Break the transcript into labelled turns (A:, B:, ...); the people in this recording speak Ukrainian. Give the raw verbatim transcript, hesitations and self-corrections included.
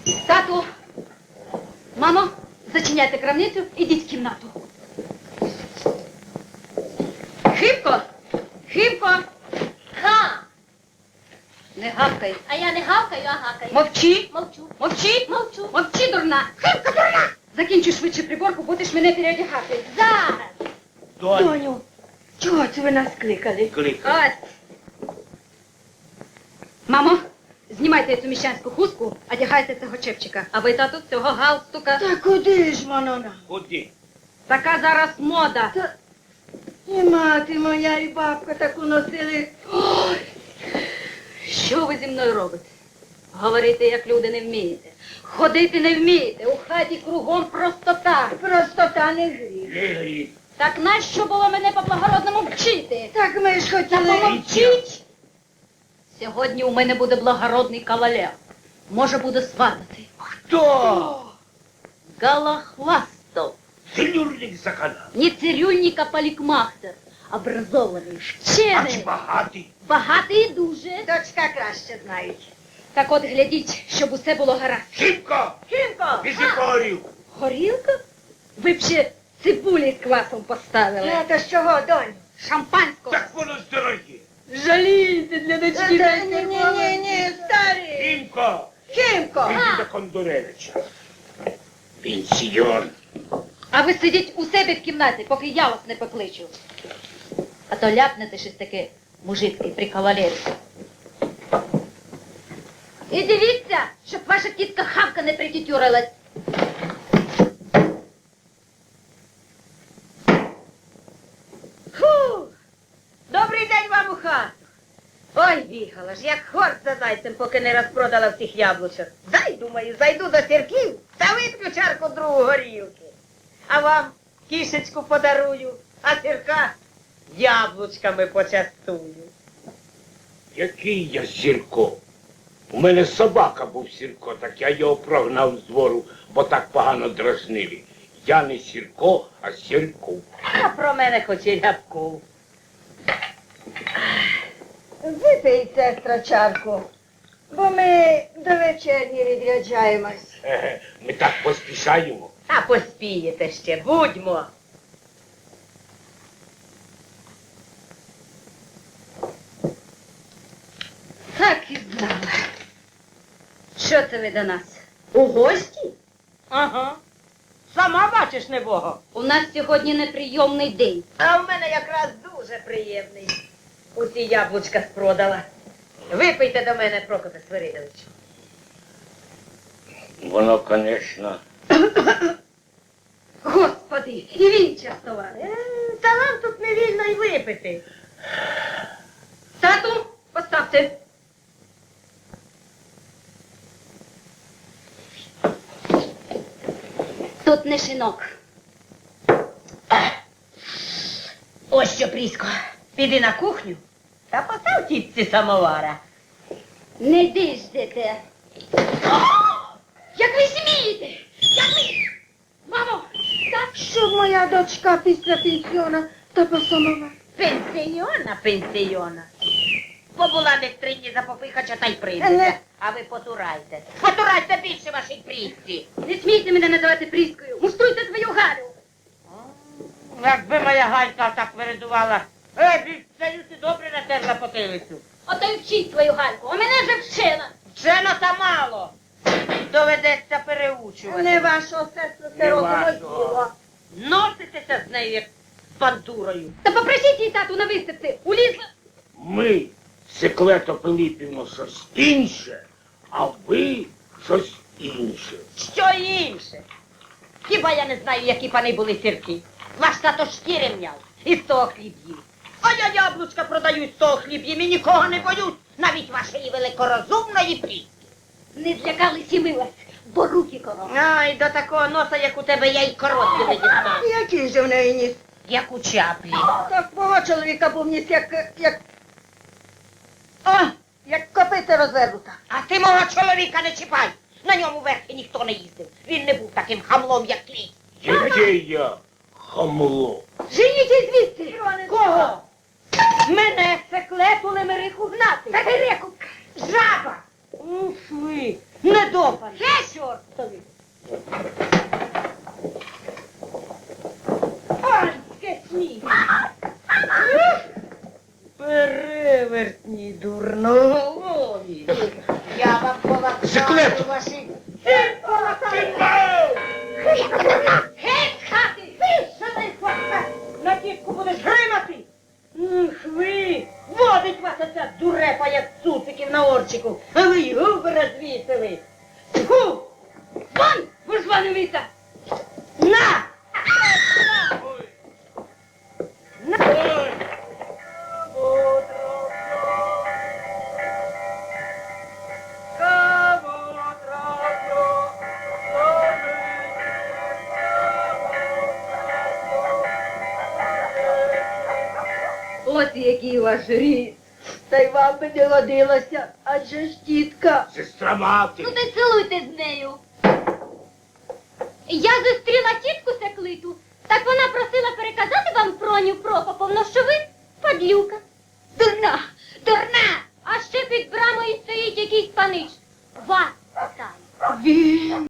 A: Тату, мамо, зачиняйте крамницю, ідіть в кімнату. Хибко, Хибко.
B: Га!
A: Не гавкай.
B: А я не гавкаю, а гакаю.
A: Мовчи.
B: Мовчу.
A: Мовчи.
B: Мовчу.
A: Мовчи, дурна. Хибко, дурна. Закінчуй швидше приборку, будеш мене переодягати.
B: Зараз.
C: Доню,
D: Доню, чого це ви нас кликали?
C: кликай.
A: Ось. Мамо, знімайте цю міщанську хустку, одягайте цього чепчика. А ви, тату, цього галстука.
D: Та куди ж воно нам?
C: Куди?
A: Така зараз мода.
D: Та і мати моя, і бабка таку носили.
A: Ой, що ви зі мною робите? Говорити, як люди, не вмієте. Ходити не вмієте. У хаті кругом простота.
D: Простота не гріх.
C: Не гріх.
A: Так нащо було мене по-благородному вчити?
D: Так ми ж
A: Та
D: хотіли.
A: помовчіть! Сьогодні у мене буде благородний кавалер. Може, буде сватати.
C: Хто?
A: Галахвастов.
C: Целюрник за канал.
A: Не цирюльник, а полікмахтер. Образований,
C: А чи
A: вчений.
C: багатий?
A: Багатий і дуже.
D: Дочка краще знають.
A: Так от глядіть, щоб усе було гаразд.
C: Хибко!
D: Хімко!
C: Біжи по горілку.
A: Горілка? Ви б ще цибулі з квасом поставили.
D: А то з чого, доню?
A: Шампанського.
C: Так воно ж дороге.
D: Жалійте для дочки. Ні, ні, ні, ні, старий.
C: Химко!
D: Хімко!
C: Іди до Кондуревича. Пенсіон.
A: А ви сидіть у себе в кімнаті, поки я вас не покличу. А то ляпнете щось таке мужицьке при кавалері. І дивіться, щоб ваша тітка Хавка не притютюрилась.
D: Фу! Добрий день вам у хату. Ой, бігала ж, як хорт за зайцем, поки не розпродала всіх яблучок. Зайду, думаю, зайду до сірків та вип'ю чарку другу горілки. А вам кішечку подарую, а сірка яблучками почастую.
C: Який я Сірко? У мене собака був Сірко, так я його прогнав з двору, бо так погано дразнили. Я не Сірко, а Сірков.
D: А про мене хоч і Рябков. Випий, сестра, чарку, бо ми до вечерні відряджаємось.
C: Еге, ми так поспішаємо.
D: А поспієте ще, будьмо.
A: Так і знала. Що це ви до нас?
D: У гості? Ага. Сама бачиш, небого.
A: У нас сьогодні неприйомний день.
D: А в мене якраз дуже приємний. Усі яблучка спродала. Випийте до мене, Прокопе Свиридович.
C: Воно, звісно.
A: Господи, і він частував.
D: Е, Та вам тут не вільно й випити.
A: Тату, поставте. Тут не шинок.
D: Ось що, Прісько, піди на кухню та постав тітці самовара.
A: Не диждете. Як ви смієте? Як ви... Мамо, так?
D: Щоб моя дочка після пенсіона та по самовар. Пенсіона, пенсіона. Побула десь три дні за попихача та й прийдете.
A: Не.
D: А ви потурайте. Потурайте більше вашій Прісці.
A: Не смійте мене називати Пріскою. Муштруйте свою Галю.
D: Якби моя Галька так виридувала. Е, більше ти добре натерла потилицю.
A: Ото й вчіть свою Гальку, а мене вже вчила.
D: Вчено та мало. Доведеться переучувати.
A: Не вашого сестру
C: Не вашого.
D: Носитеся з нею, як з бандурою.
A: Та попросіть її тату на виставці. Улізла.
C: Ми, Секлето Пилипівно, щось інше, а ви щось інше.
D: Що інше? Хіба я не знаю, які пани були сірки? Ваш тато шкіри м'яв і з того хліб їв. А я яблучка продаю з того хліб їм і нікого не боюсь, навіть вашої великорозумної Пріски.
A: Не злякались і милась, бо руки коров.
D: Ай, до такого носа, як у тебе, я й коротки не дістану.
E: Який же в неї ніс?
D: Як у чаплі.
E: Так мого чоловіка був ніс, як, як... О, як копита розвернута.
D: А ти мого чоловіка не чіпай. На ньому верхи ніхто не їздив. Він не був таким хамлом, як твій.
C: Яке я хамло?
A: Женіть звідси.
D: Кого?
A: Мене секлету лемериху гнати.
D: Та ти реку, жаба! Уф ви,
E: Недопаний. Чортові. Ай, скесні. Перевертні дурноголові.
D: Я вам полакаю
C: Секлет!
D: ваші...
E: Ти полакай!
B: Геть з хати!
E: Що ти, хваста? На тітку будеш гримати? Ух ви! Водить вас оця дурепа, як цуциків на орчику. А ви й губи розвісили. Фу!
A: Вон, визванивіться!
E: На!
A: Ось який ваш рід.
E: Та й вам би не годилося, адже ж тітка.
C: Сестра мати.
B: Ну ти цілуйте з нею. Я зустріла тітку Секлиту, так вона просила переказати вам Проню Прокоповну, що ви падлюка. Дурна, дурна! А ще під брамою стоїть якийсь панич. Вас питає.
E: Він